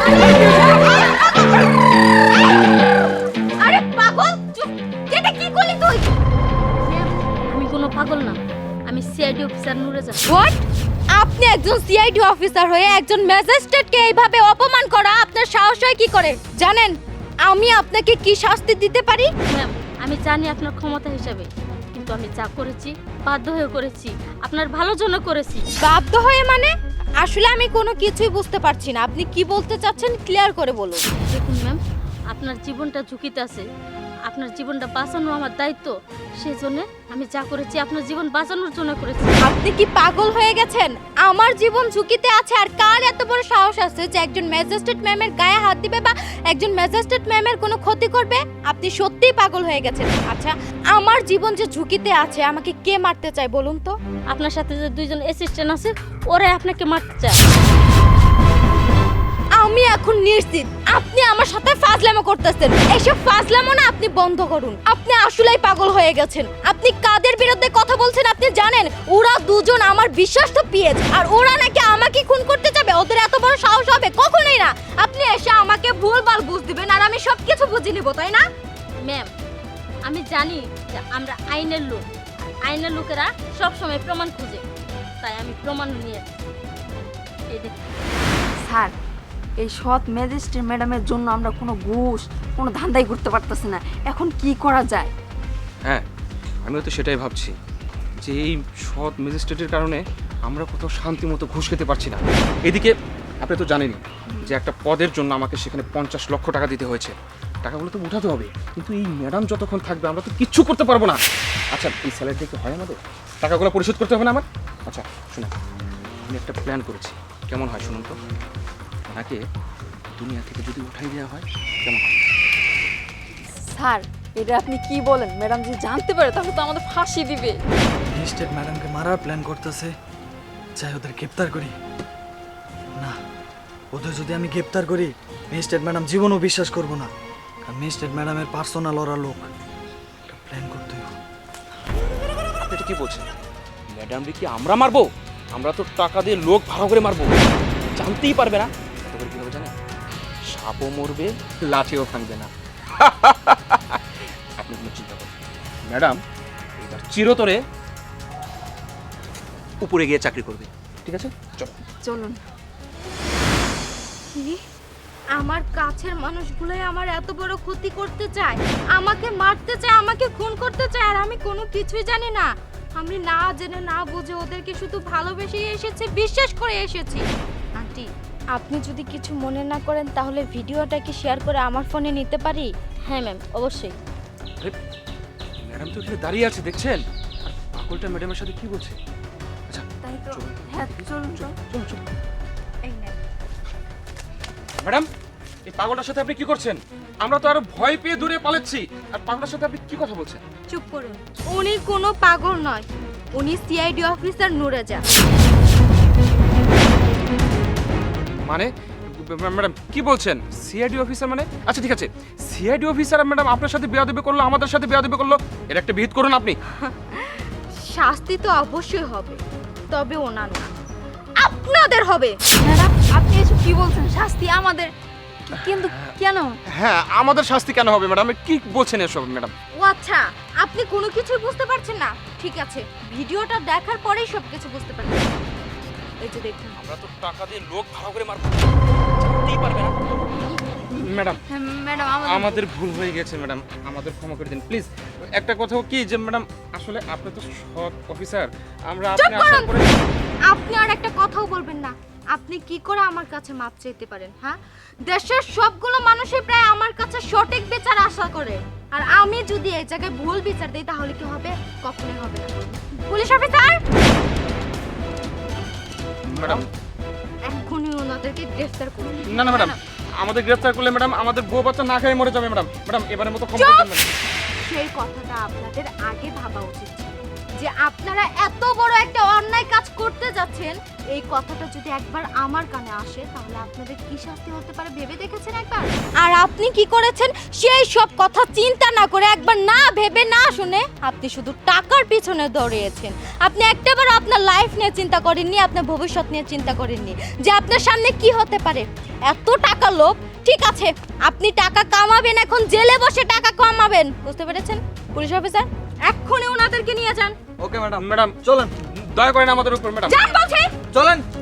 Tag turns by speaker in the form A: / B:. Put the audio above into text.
A: আরে পাগল চুপ, এটা কি করলি তুই?
B: আমি কোনো পাগল না, আমি সিআইডি অফিসার নুরেজা।
A: হোয়াট? আপনি একজন সিআইডি অফিসার হয়ে একজন ম্যাজিস্ট্রেটকে এইভাবে অপমান করা আপনার সাহস হয় কি করে? জানেন আমি আপনাকে কি শাস্তি দিতে পারি?
B: ম্যাম, আমি জানি আপনার ক্ষমতা হিসাবে, কিন্তু আমি যা করেছি বাধ্য হয়ে করেছি, আপনার ভালোর জন্য করেছি।
A: বাধ্য হয়ে মানে? আসলে আমি কোনো কিছুই বুঝতে পারছি না, আপনি কি বলতে চাচ্ছেন ক্লিয়ার করে বলুন।
B: দেখুন ম্যাম, আপনার জীবনটা ঝুঁকিতে আছে, আপনার জীবনটা বাঁচানো আমার দায়িত্ব, সেই জন্য আমি যা করেছি আপনার জীবন বাঁচানোর জন্য করেছি।
A: আপনি কি পাগল হয়ে গেছেন? আমার জীবন ঝুঁকিতে আছে আর কার এত বড় সাহস আছে যে একজন ম্যাজিস্ট্রেট ম্যামের গায়ে হাত দিবে বা একজন ম্যাজিস্ট্রেট ম্যামের কোনো ক্ষতি করবে? আপনি সত্যিই পাগল হয়ে গেছেন। আচ্ছা, আমার জীবন যে ঝুঁকিতে আছে আমাকে কে মারতে চায় বলুন তো?
B: আপনার সাথে যে দুইজন অ্যাসিস্ট্যান্ট আছে ওরাই আপনাকে মারতে চায়।
A: আমি এখন নিশ্চিত আপনি আমার সাথে ফাজলামো করতেছেন। এসব ফাজলামো না আপনি বন্ধ করুন। আপনি আসলেই পাগল হয়ে গেছেন। আপনি কাদের বিরুদ্ধে কথা বলছেন আপনি জানেন? ওরা দুজন আমার বিশ্বস্ত পিএস আর ওরা নাকি আমাকে খুন করতে যাবে। ওদের এত বড় সাহস হবে? কখনোই না। আপনি এসে আমাকে ভুলভাল বুঝ দিবেন আর আমি সবকিছু বুঝে নিব, তাই না?
B: ম্যাম, আমি জানি যে আমরা আইনের লোক, আইনের লোকেরা সবসময় প্রমাণ খুঁজে, তাই আমি প্রমাণ নিয়ে এই দেখুন।
C: স্যার, এই সৎ ম্যাজিস্ট্রেট ম্যাডামের জন্য আমরা কোনো ঘুষ কোনো ধান্দাই করতে পারতেছি না। এখন কি করা যায়?
D: হ্যাঁ, আমিও তো সেটাই ভাবছি যে এই সৎ ম্যাজিস্ট্রেটের কারণে আমরা কোথাও শান্তি মতো ঘুষ খেতে পারছি না। এদিকে আপনি তো জানেনই যে একটা পদের জন্য আমাকে সেখানে 50 লক্ষ টাকা দিতে হয়েছে। টাকাগুলো তো উঠাতে হবে, কিন্তু এই ম্যাডাম যতক্ষণ থাকবে আমরা তো কিচ্ছু করতে পারবো না। আচ্ছা, এই স্যালারি থেকে হয় আমাদের টাকাগুলো পরিশোধ করতে হবে না আমার? আচ্ছা শুনুন, আমি একটা প্ল্যান করেছি, কেমন হয় শুনুন তো। ওনাকে দুনিয়া থেকে যদি উঠাই দেওয়া হয় কেমন হয়?
C: স্যার, এটা আপনি কি বলেন? ম্যাডাম যদি জানতে পারে তাহলে তো আমাদের ফাঁসি দিবে।
E: ম্যাজিস্ট্রেট ম্যাডামকে মারার প্ল্যান করতেছে, চাই ওদের গ্রেপ্তার করি। না, ওদের যদি আমি গ্রেপ্তার করি ম্যাজিস্ট্রেট ম্যাডাম জীবনও বিশ্বাস করবো না, কারণ ম্যাজিস্ট্রেট ম্যাডামের পার্সোনাল ওরা লোক। একটা প্ল্যান করতে হবে।
D: আপনি এটা কি বলছেন? ম্যাডামকে কি আমরা মারবো? আমরা তো টাকা দিয়ে লোক ভাড়া করে মারবো, জানতেই পারবে না। তবে কি হবে জানেন? সাপও মরবে, লাঠিও ভাঙবে না। আপনি কোনো চিন্তা করবেন না। ম্যাডাম এবার চিরতরে উপরে গিয়ে চাকরি করবে, ঠিক আছে? চলো।
C: চলুন।
A: কি? আমার কাছের মানুষগুলোই আমার এত বড় ক্ষতি করতে চায়, আমাকে মারতে চায়, আমাকে খুন করতে চায়, আর আমি কোনো কিছুই জানি না। আমি না জেনে না বুঝে ওদেরকে শুধু ভালোবেসে এসেছি, বিশ্বাস করে এসেছি। আন্টি, আপনি যদি কিছু মনে না করেন তাহলে ভিডিওটা কি শেয়ার করে আমার ফোনে নিতে পারি?
B: হ্যাঁ ম্যাম, অবশ্যই।
D: আরে ম্যাডাম তো এখানে দাঁড়িয়ে আছে দেখছেন, আর পাগলটা ম্যাডামের সাথে কি বলছে? আচ্ছা
C: তাই তো।
D: চলুন।
C: হ্যাঁ, চলুন তো।
D: চলুন চলুন।
A: এই নেন।
D: ম্যাডাম, এই পাগলটার সাথে আপনি কি করছেন? আমরা তো আরো ভয় পেয়ে দূরে পালাচ্ছি, আর পাগলটার সাথে আপনি কি কথা বলছেন?
A: চুপ করুন। উনি কোনো পাগল নয়, উনি সিআইডি অফিসার নুরেজা।
D: মানে ম্যাডাম কি বলছেন? সিআইডি অফিসার মানে? আচ্ছা ঠিক আছে, সিআইডি অফিসার ম্যাডাম আপনার সাথে বেয়াদবি করলো, আমাদের সাথে বেয়াদবি করলো, এর একটা বিহিত করুন আপনি।
A: শাস্তি তো অবশ্যই হবে, তবে ওনার না, আপনাদের হবে।
C: ম্যাডাম, আপনি এসব কি বলছেন? শাস্তি আমাদের? কিন্তু কেন?
D: হ্যাঁ, আমাদের শাস্তি কেন হবে ম্যাডাম? কি বলছেন এসব ম্যাডাম?
A: ও আচ্ছা, আপনি কোনো কিছুই বুঝতে পারছেন না? ঠিক আছে, ভিডিওটা দেখার পরেই সব কিছু বুঝতে পারবেন। এই যে দেখুন।
D: আমরা তো টাকা দিয়ে লোক ভাড়া করে মারবো, জানতেই পারবে না। ম্যাডাম
C: হ্যাঁ, ম্যাডাম
D: আমাদের ভুল হয়ে গেছে ম্যাডাম, আমাদের ক্ষমা করে দিন প্লিজ। একটা কথা কি যে ম্যাডাম, আসলে আপনি তো সৎ অফিসার, আমরা
A: চুপ
D: আপনি আশা
A: করুন।
D: করে।
A: আপনি আর একটা কথাও বলবেন না। আপনি কি করে আমার কাছে মাপ চাইতে পারেন? হ্যাঁ, দেশের সবগুলো মানুষই প্রায় আমার কাছে সঠিক বিচার আশা করে, আর আমি যদি এই জায়গায় ভুল বিচার দিই তাহলে কি হবে? কখনোই হবে না। পুলিশ অফিসার,
D: ম্যাডাম
A: এখনই ওনাদেরকে গ্রেফতার করুন।
D: না না ম্যাডাম, আমাদের গ্রেফতার করলে ম্যাডাম আমাদের বউ বাচ্চা না খেয়ে মরে যাবে ম্যাডাম। ম্যাডাম এবারের মতো ক্ষমা
A: চুপ!
D: করে দিন ম্যাডাম।
A: সেই কথাটা আপনাদের আগে ভাবা উচিত ছিল, যে যে আপনারা এত বড় একটা অন্যায় কাজ করতে যাচ্ছেন, এই কথাটা যদি একবার আমার কানে আসে তাহলে আপনাদের কি শাস্তি হতে পারে ভেবে দেখেছেন একবার? আর আপনি কি করেছেন সেই সব কথা চিন্তা না করে, একবার না ভেবে না শুনে আপনি শুধু টাকার পিছনে দৌড়িয়েছেন। আপনি একটাবার আপনার লাইফ নিয়ে চিন্তা করেননি, আপনার ভবিষ্যৎ নিয়ে চিন্তা করেননি যে আপনার সামনে কি হতে পারে। এত টাকা লোভ, ঠিক আছে আপনি টাকা কামাবেন, এখন জেলে বসে টাকা কামাবেন, বুঝতে পেরেছেন? পুলিশ অফিসার এক্ষুনি ওনাদেরকে নিয়ে যান।
E: ওকে ম্যাডাম,
D: ম্যাডাম
E: চলেন
D: দয়া করেন আমাদের উপর ম্যাডাম।
A: যান বলছি।
E: চলেন